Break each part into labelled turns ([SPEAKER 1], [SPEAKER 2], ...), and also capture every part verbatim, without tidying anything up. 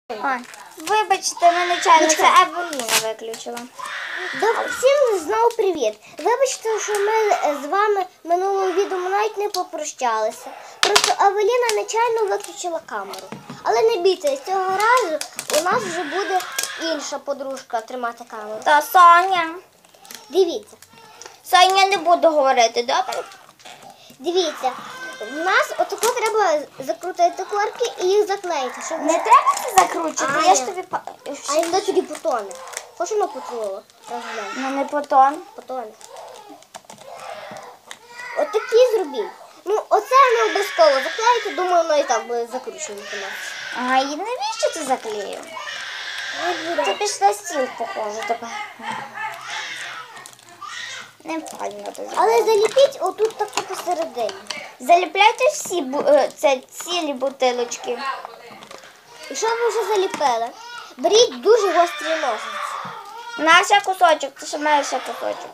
[SPEAKER 1] Ой, вибачте, ми нечайно, це Евеліна виключила.
[SPEAKER 2] Всім знову привіт. Вибачте, що ми з вами минулого відео навіть не попрощалися. Просто Евеліна нечайно виключила камеру. Але не бійтесь, цього разу у нас вже буде інша подружка тримати камеру.
[SPEAKER 1] Та Соня.
[SPEAKER 2] Дивіться.
[SPEAKER 1] Соня не буду говорити, добре?
[SPEAKER 2] Дивіться. В нас отако треба закрутити корки і їх заклеїти. Щоб...
[SPEAKER 1] Не треба це закручувати,
[SPEAKER 2] А,
[SPEAKER 1] я ж
[SPEAKER 2] ні.
[SPEAKER 1] тобі... па-
[SPEAKER 2] А якщо тоді потоне? Хочемо потонуло?
[SPEAKER 1] Ну не потом.
[SPEAKER 2] Потоне. От такі зробіть. Ну, оце не обов'язково заклеїти, думаю, воно і так буде закручено.
[SPEAKER 1] А і навіщо ти заклеїв? Ти пішла стіл, похоже, тепер. Не файно ти зробила.
[SPEAKER 2] Але заліпіть отут таку посередині.
[SPEAKER 1] Заліпляйте всі бу- е, це цілі бутилочки.
[SPEAKER 2] Якщо ви вже заліпили, беріть дуже гострі ножиці.
[SPEAKER 1] На ще кусочок, ти ще маєш ще кусочок.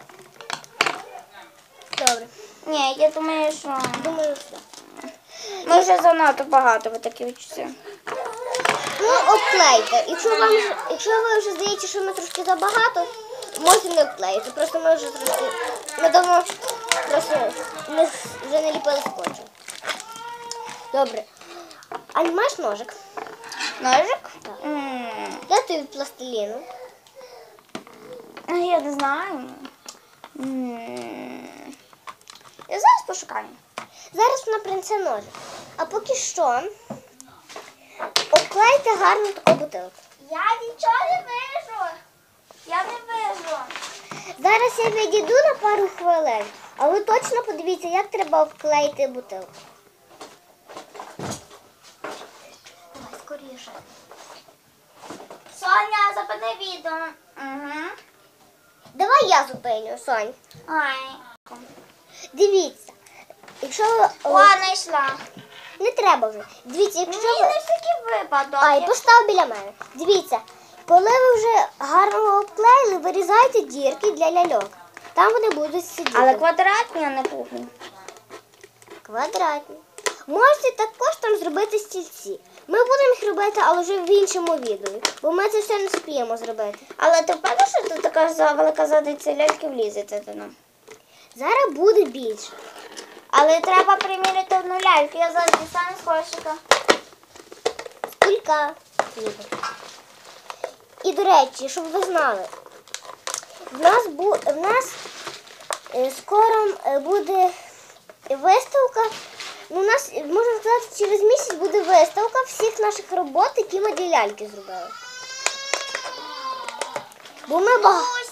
[SPEAKER 2] Добре.
[SPEAKER 1] Ні, я думаю, що
[SPEAKER 2] Думаю, все.
[SPEAKER 1] ми вже занадто багато ви такі відчуття.
[SPEAKER 2] Ну, обклейте. Якщо вам вже- якщо ви вже здається, що ми трошки забагато, можете не обклеїти. Просто ми вже трошки, ми давно просто не, вже не ліпили скотчем. Добре. А не маєш ножик?
[SPEAKER 1] Ножик?
[SPEAKER 2] Так.
[SPEAKER 1] М,
[SPEAKER 2] Де ти від пластиліну?
[SPEAKER 1] Я не знаю. М, Я зараз пошукаю.
[SPEAKER 2] Зараз вона принесе ножик. А поки що обклейте гарно таку бутилку.
[SPEAKER 1] Я нічого не вижу. Я не вижу.
[SPEAKER 2] Зараз я відійду на пару хвилин, а ви точно подивіться, як треба обклеїти бутилку. Давай, скоріше.
[SPEAKER 1] Соня, зупини відео. Угу.
[SPEAKER 2] Давай я зупиню, Сонь.
[SPEAKER 1] Ай.
[SPEAKER 2] Дивіться, якщо ви...
[SPEAKER 1] О, знайшла.
[SPEAKER 2] Не треба вже. Дивіться, якщо
[SPEAKER 1] Ні,
[SPEAKER 2] ви...
[SPEAKER 1] не всякий випадок.
[SPEAKER 2] Ай, постав біля мене. Дивіться, коли ви вже гарно обклеїли, вирізайте дірки для ляльок. Там вони будуть сидіти.
[SPEAKER 1] Але квадратні, а не круглі.
[SPEAKER 2] Квадратні. Можете також там зробити стільці. Ми будемо їх робити, але вже в іншому відео, бо ми це все не спіємо зробити.
[SPEAKER 1] Але ти впевнена, що тут така за- велика задниця ляльки влізете до нас?
[SPEAKER 2] Зараз буде більше.
[SPEAKER 1] Але треба приміряти одну ляльку. Я зараз дістану з кошика.
[SPEAKER 2] Скільки ніби. І, до речі, щоб ви знали, в нас, бу... в нас е, скоро е, буде виставка. Ну, у нас, можна сказати, через місяць буде виставка всіх наших робот, які ми для ляльки зробили. Бо ми багато.